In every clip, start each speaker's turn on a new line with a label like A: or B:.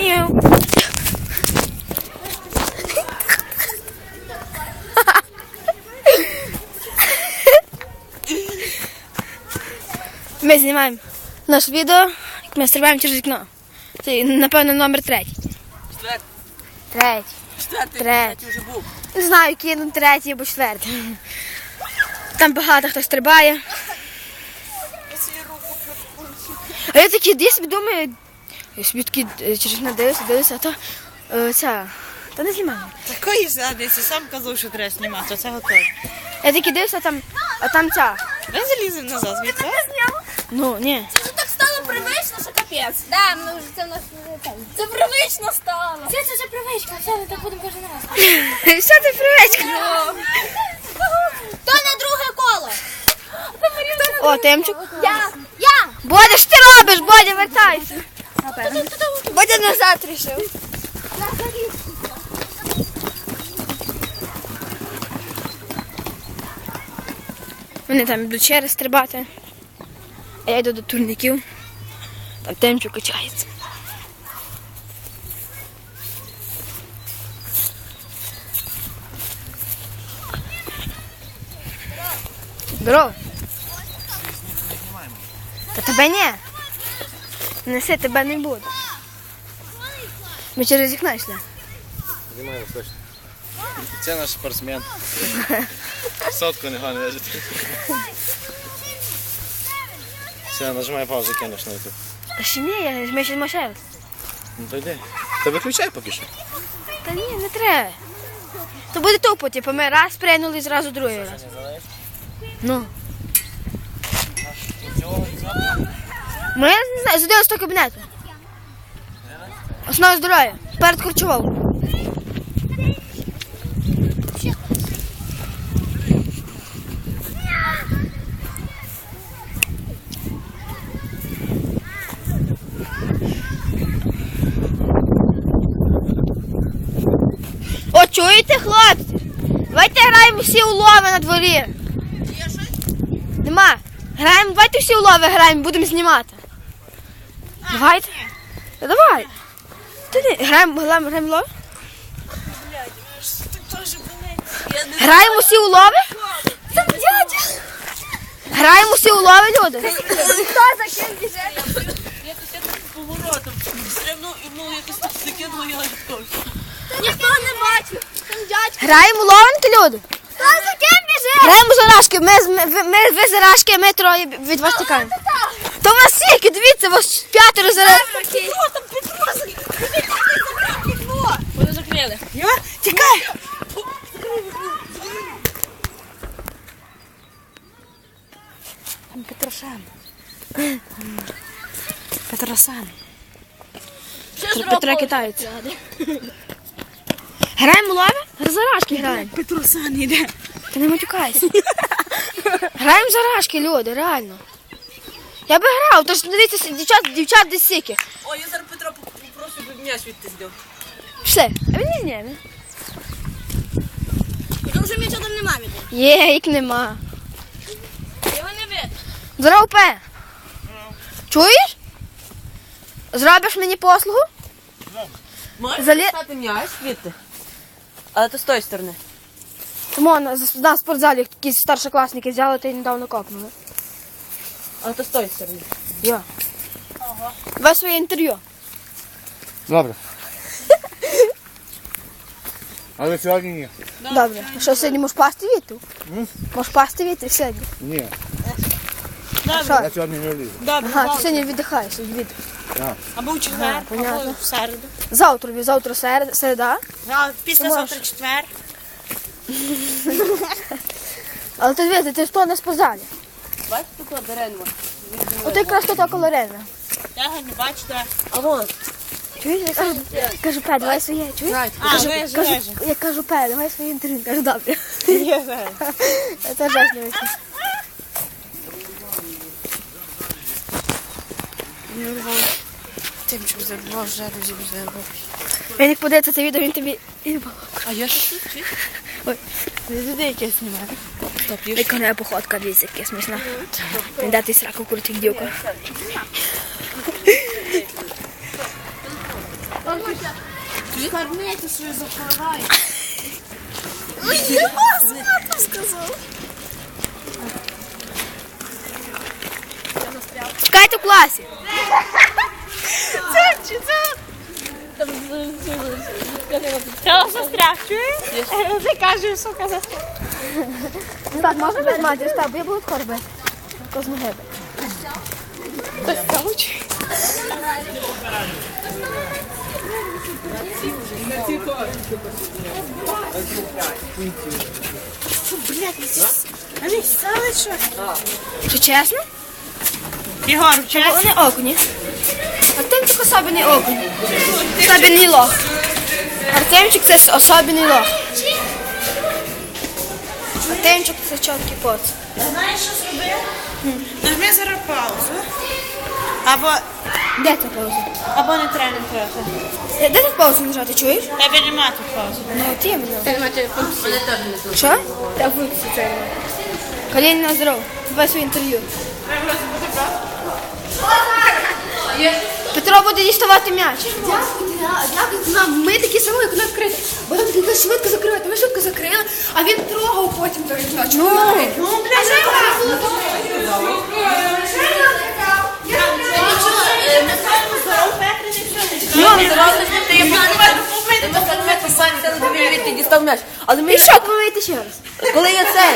A: Мяу. Ми знімаємо наше відео, як ми стрибаємо через вікно. Це, напевно, номер 3. Третій вже був. Не знаю, який, ну, 3 або 4. Там багато хто стрибає. А я такий десь думаю, я собі такий через вікно дивлюся, а то ця, та не знімаю.
B: Такої задниці, сам казав, що треба знімати, це готово.
A: Я такий дивлюся, а там ця.
B: Ми заліземо назад, звідти.
A: Ну, ні.
C: Це вже так стало привично, що капець. Да, ми вже це в нас це привично стало. Це привичка, все, ми так будемо кожен раз.
A: Що ти привичка?
C: То на друге коло.
A: О, Тимчик.
C: Я.
A: Бодя, що ти робиш? Бодя, вертайся. Бодя назад рішив. Вони там йдуть через стрибати. А я йду до турників. Там Тимчик качається. Здорово. Та тебе ні. Неси, тебе не буде. Ми через вікно йшли.
D: Знімаємо точно. Це наш спортсмен. Сотку не лежить. Все, нажимай паузу, кинеш на YouTube.
A: Та ще ні, ми ще машали.
D: Ну то йди. Та виключай поки що.
A: Та ні, не треба. То буде тупо, типу, ми раз прийняли і зразу другий раз. Ну. Ми, не знаю, з 11 кабінету. Основа здоров'я. Перед Корчовою. О, чуєте, хлопці? Давайте граємо всі улови на дворі. Є щось? Нема. Граємо, давайте всі улови граємо, будемо знімати. Давайте. Та давай. Граємо улови? Граємо всі улови? Там дядя. Граємо всі улови, люди.
C: Хто за ким біже?
B: Я тут поворотом стрибнув і якось так закинула, я відкочу.
C: Ніхто не бачив. Там дядько.
A: Граємо уловинки, люди.
C: Хто за ким біже?
A: Граємо зарашки. Ви зарашки, ми троє від вас тікаємо. То у вас скільки, дивіться, у вас 5 зарашки.
B: Вони закрили. Тікай!
A: Там Петрошан. Петросан. Петро китаєць. Граємо улови? Зарашки граємо.
B: Петрусан іде.
A: Ти не матюкайся. Граємо зарашки, люди, реально. Я би грав, тож дивіться, дівчат десь сіки.
B: О, я зараз Петро попрошу, щоб мене звідти зняв.
A: Пішли, а він не зняв.
C: Там вже м'яча там нема від.
A: Є, їх нема.
C: Його не видно.
A: Здоров, Пе. Чуєш? Зробиш мені послугу?
B: Можеш
A: Залі-
B: стати м'яч звідти? Але то з тої сторони.
A: Тому на спортзалі якісь старшокласники взяли та й недавно копнули.
B: Але то з тої сторони.
A: Я. Давай своє інтерв'ю.
D: Добре. Але сьогодні ні.
A: Добре. Що, сьогодні можеш пасти вітру? Можеш пасти вітру сьогодні?
D: Ні.
A: Що?
D: Я сьогодні не влізу.
B: Добре,
A: Ага, ти сьогодні віддихаєш від вітру.
B: або в четвер,
A: понятно.
B: або в середу.
A: Завтра середа.
B: А післязавтра
A: можеш.
B: четвер.
A: Але ти дивись, ти ж то не спортзалі.
B: Бачите, тут дерево.
A: От якраз то колорина.
B: Я не бачите. А вон.
A: Чуєш, я кажу, Пе, давай своє, чуєш?
B: А, веже.
A: Я кажу, Пе, давай своє інтерв'ю. Кажу, добре.
B: Є.
A: Це жах не вийшло.
B: Тим, що забував, вже розібрав.
A: Він як подивиться це відео, він тобі...
B: А я що тут?
A: Ой.
B: Не туди якесь знімаю.
A: Яка не походка, дивіться, яка смішна. Він дати сраку куртик дівка.
C: Мармити свою заховай.
A: Чекайте в класі.
C: Та застряг, чуєш? Ти кажеш, сука, застряг.
A: Так, можна без матері? Став, бо я буду скоро бити. То з ноги бити. Що чесно?
B: Ігор, чесно?
A: Вони окуні. Артемчик особливий окунь. Особливий лох. Артемчик це особливий лох. Артемчик це чіткий поц.
B: Знаєш, що зроби? Нажми зараз паузу. Або
A: Де це пауза?
B: не треба трохи.
A: Де тут паузу нажати, чуєш?
B: Тебе нема тут паузи.
A: Ну, от іменно. Що? Так, виключи це. Каліна здоров. Давай своє інтерв'ю. Петро буде діставати м'яч.
C: Дякую нам. Ми такі самі, як вона відкрита. Бо нам такі швидко закривати. Ми швидко закрили, а він трогав потім той м'яч.
A: Але ми що помити ще раз? Коли я це?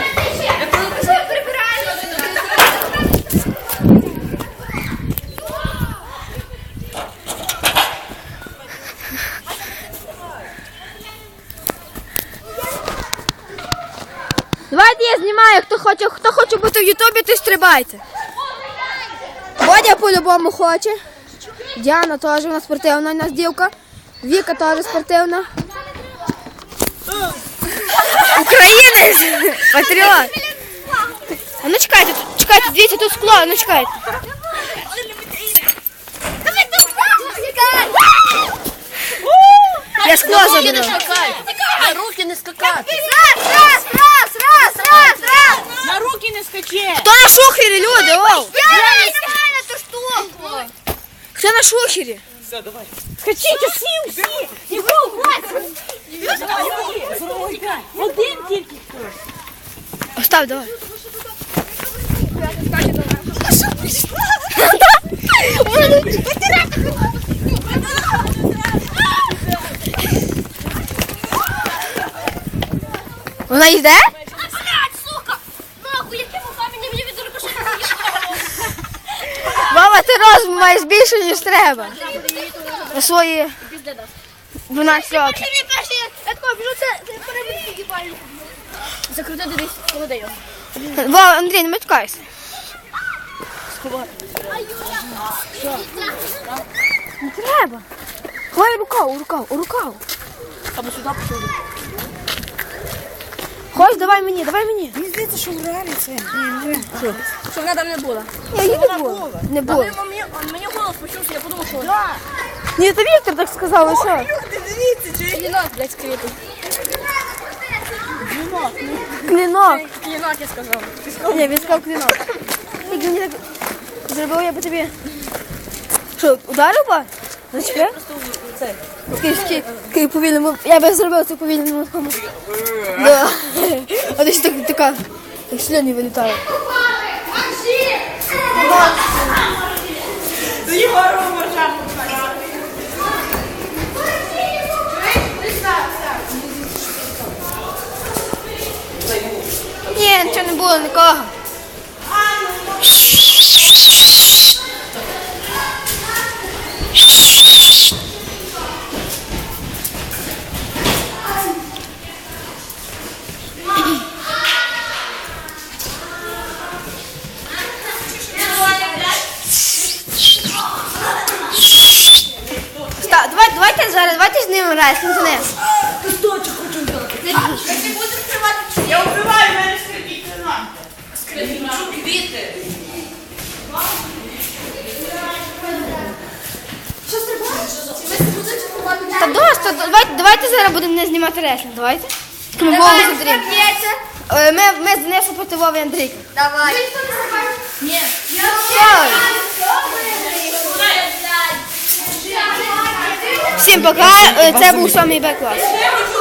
A: Давайте я знімаю, хто хоче бути в Ютубі, то стрибайте. Бодя по-любому хоче. Діана теж, вона спортивна у нас дівка. Віка теж спортивна. Українець! Патріот! А ну чекайте, дивіться, тут скло, а ну чекайте. Я скло заберу.
C: На руки не скакати.
A: Раз!
B: На руки не скачи!
A: Хто на шухері, люди? Оу! Хто на шухері?
B: Скачіть усі, усі! Один тільки хтось.
A: Остав, давай. Вона йде?
C: Сука! Нахуй, яким камінням мені від рикошету?
A: Мама, ти розум маєш більше, ніж треба. На свої 12 років.
C: Закрутити десь холоди його.
A: Вова, Андрій, не матюкайся. Не треба. Ховай у рукав.
B: Або сюди пішов.
A: Хоч, давай мені.
B: Мені здається, що в реалі це.
C: Щоб вона там не була.
A: Я її не було. Не було.
C: Мені голос почувся, я подумав, що
A: Ні, то Віктор так сказав, ви що?
B: Дивіться, чи
C: клінок, блядь, скрипить.
A: Клінок.
C: Клінок, я сказав.
A: Ні, він сказав клінок. Як мені так зробив, я би тобі... Що, ударив би? Зачепив? Такий повільному... Я би зробив це повільному такому. Да. А десь така... Так сльони вилітають.
B: Ігору можна.
A: Ні, нічого не було, нікого. Давайте з ним граємо, з ним.
B: Я вбиваю, в мене скрипіть нема. Квіти.
A: Та досить, давайте зараз будемо не знімати реслінг, давайте. Ми Вову з Андрієм. Ми з Денисом проти Вови і Андрійка.
C: Давай.
A: Ні. Всім пока, це був 7 Б клас.